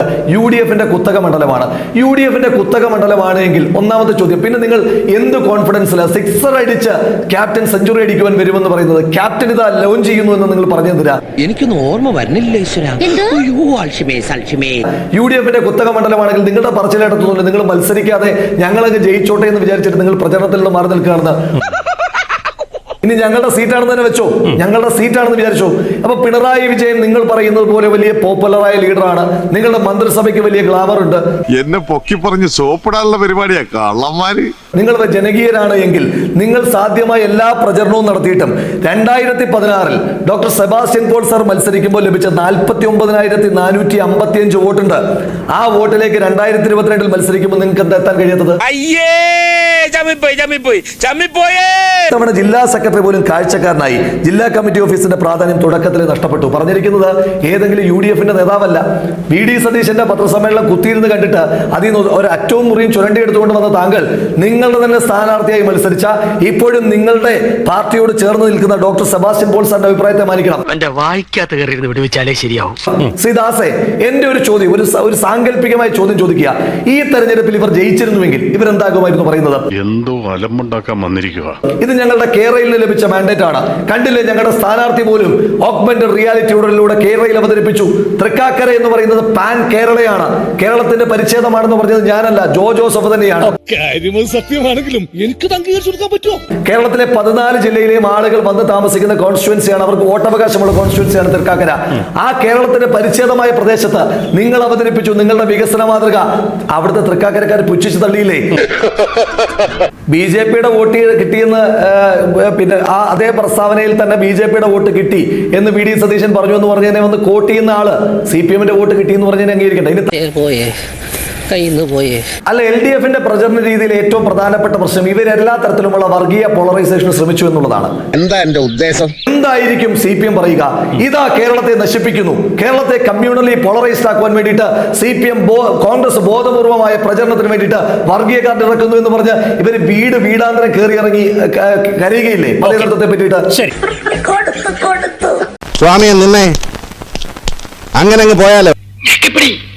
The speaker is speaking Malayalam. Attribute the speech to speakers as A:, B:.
A: UDFന്റെ കുത്തക മണ്ഡലമാണ്. UDFന്റെ കുത്തക മണ്ഡലമാണെങ്കിൽ ഒന്നാമത്തെ ചോദ്യം, പിന്നെ നിങ്ങൾ എന്ത് കോൺഫിഡൻസിലാണ് സിക്സർ അടിച്ച് ക്യാപ്റ്റൻ സെഞ്ചുറി അടിക്കുവാൻ വരുമെന്ന് പറയുന്നത്? ക്യാപ്റ്റൻ ഇതാ ലോഞ്ച് ചെയ്യുന്നു എന്ന് നിങ്ങൾ പറഞ്ഞു തരാ.
B: എനിക്കൊന്നും ഓർമ്മ വരുന്നില്ല.
A: UDFന്റെ കുത്തക മണ്ഡലമാണെങ്കിൽ നിങ്ങളുടെ പറച്ചിലേട്ടത്തുകൊണ്ട് നിങ്ങൾ മത്സരിക്കാതെ ഞങ്ങളങ്ങ് ജയിച്ചോട്ടെ എന്ന് വിചാരിച്ചിട്ട് നിങ്ങൾ പ്രചരണത്തിൽ നിന്ന് മാറി നിൽക്കുകയാണെന്ന്. ഇനി ഞങ്ങളുടെ സീറ്റാണെന്ന് തന്നെ വെച്ചോ, ഞങ്ങളുടെ സീറ്റാണെന്ന് വിചാരിച്ചോ. അപ്പൊ പിണറായി വിജയൻ നിങ്ങൾ പറയുന്നത് പോലെ വലിയ പോപ്പുലറായ ലീഡറാണ്, നിങ്ങളുടെ മന്ത്രിസഭയ്ക്ക് വലിയ ഗ്ലാമർ ഉണ്ട്,
C: എന്നെ പൊക്കി പറഞ്ഞ് സോപ്പിടാനുള്ള പരിപാടിയാ കള്ളന്മാര്. നിങ്ങൾ
A: ജനകീയരാണ് എങ്കിൽ നിങ്ങൾ സാധ്യമായ എല്ലാ പ്രചരണവും നടത്തിയിട്ടും 2016 ഡോക്ടർ സെബാസ്റ്റ്യൻ പോൾ സർ മത്സരിക്കുമ്പോൾ ലഭിച്ച 49,455 വോട്ടുണ്ട്. ആ വോട്ടിലേക്ക് 2022 മത്സരിക്കുമ്പോൾ നിങ്ങൾക്ക് എന്താ എത്താൻ കഴിയാത്തത്? നമ്മുടെ ജില്ലാ സെക്രട്ടറി പോലും കാഴ്ചക്കാരനായി. ജില്ലാ കമ്മിറ്റി ഓഫീസിന്റെ പ്രാധാന്യം തുടക്കത്തിൽ നഷ്ടപ്പെട്ടു. പറഞ്ഞിരിക്കുന്നത് ഏതെങ്കിലും UDFന്റെ നേതാവല്ല. VD സതീശന്റെ പത്രസമ്മേളനം കുത്തിയിരുന്ന് കണ്ടിട്ട് അതിൽ നിന്ന് ഒരു അറ്റവും മുറിയും ചുരണ്ടിയെടുത്തുകൊണ്ട് വന്ന താങ്കൾ നിങ്ങളുടെ തന്നെ സ്ഥാനാർത്ഥിയായി മത്സരിച്ച ഇപ്പോഴും നിങ്ങളുടെ പാർട്ടിയോട് ചേർന്ന് നിൽക്കുന്ന ഡോക്ടർ സെബാസ്റ്റ്യൻ പോൾ സാറിന്റെ അഭിപ്രായത്തെ മാനിക്കണം. ശ്രീദാസെ, എന്റെ ഒരു ചോദ്യം, ഒരു സാങ്കല്പികമായ ചോദ്യം ചോദിക്കുക. ഈ തെരഞ്ഞെടുപ്പിൽ ഇവർ ജയിച്ചിരുന്നുവെങ്കിൽ ഇവരെന്താകുമായിരുന്നു പറയുന്നത്?
C: എന്തോ അലമ്പുണ്ടാക്കാൻ വന്നിരിക്കുക.
A: ഇത് ഞങ്ങളുടെ കേരളയിൽ ലഭിച്ച മാൻഡേറ്റ് ആണ്. കണ്ടില്ലേ, ഞങ്ങളുടെ സ്ഥാനാർത്ഥി പോലും ഓഗ്മെന്റഡ് റിയാലിറ്റിയോടിലൂടെ കേരളയിൽ അവതരിപ്പിച്ചു. തൃക്കാക്കര എന്ന് പറയുന്നത് പാൻ കേരളയാണ്, കേരളത്തിന്റെ പരിച്ഛേദമാണെന്ന് പറഞ്ഞത് ഞാനല്ല, ജോസഫ് തന്നെയാണ്.
D: സത്യമാണെങ്കിലും എനിക്ക് അംഗീകരിച്ചു കൊടുക്കാൻ പറ്റുമോ?
A: കേരളത്തിലെ 14 ജില്ലയിലെയും ആളുകൾ വന്ന് താമസിക്കുന്ന കോൺസ്റ്റിറ്റ്യുവൻസിയാണ്, അവർക്ക് വോട്ടവകാശമുള്ള കോൺസ്റ്റിറ്റ്യുവൻസിയാണ് തൃക്കാക്കര. ആ കേരളത്തിന്റെ പരിച്ഛേദമായ പ്രദേശത്ത് നിങ്ങൾ അവതരിപ്പിച്ചു നിങ്ങളുടെ വികസന മാതൃക. അവിടുത്തെ തൃക്കാക്കരക്കാർ പുച്ഛിച്ചു തള്ളിയില്ലേ? BJPയുടെ വോട്ട് കിട്ടിയെന്ന്, പിന്നെ ആ അതേ പ്രസ്താവനയിൽ തന്നെ BJPയുടെ വോട്ട് കിട്ടി എന്ന് VD സതീശൻ പറഞ്ഞു എന്ന് പറഞ്ഞതിനെ വന്ന് കോട്ട് ചെയ്യുന്ന ആള് CPMന്റെ വോട്ട് കിട്ടി എന്ന് പറഞ്ഞതിനെ അംഗീകരിക്കട്ടെ. അല്ല, LDFന്റെ പ്രചരണ രീതിയിൽ ഏറ്റവും പ്രധാനപ്പെട്ട പ്രശ്നം ഇവരെല്ലാ തരത്തിലുമുള്ള വർഗീയ പോളറൈസേഷന് ശ്രമിച്ചു എന്നുള്ളതാണ്.
E: എന്താ എന്റെ ഉദ്ദേശം?
A: എന്തായിരിക്കും CPM പറയുക? ഇതാ കേരളത്തെ നശിപ്പിക്കുന്നു, കേരളത്തെ കമ്മ്യൂണലി പോളറൈസ്ഡ് ആക്കുവാൻ വേണ്ടിയിട്ട് CPM കോൺഗ്രസ് ബോധപൂർവമായ പ്രചരണത്തിന് വേണ്ടിയിട്ട് വർഗീയ കാർഡ് ഇറക്കുന്നു എന്ന് പറഞ്ഞ് ഇവർ വീടാന്തരം കയറി ഇറങ്ങി കരയുകയില്ലേ മതേതരത്വത്തെ പറ്റിയിട്ട്?
E: സ്വാമിയെ നിന്നെ അങ്ങനെ അങ്ങ് പോയാലോ.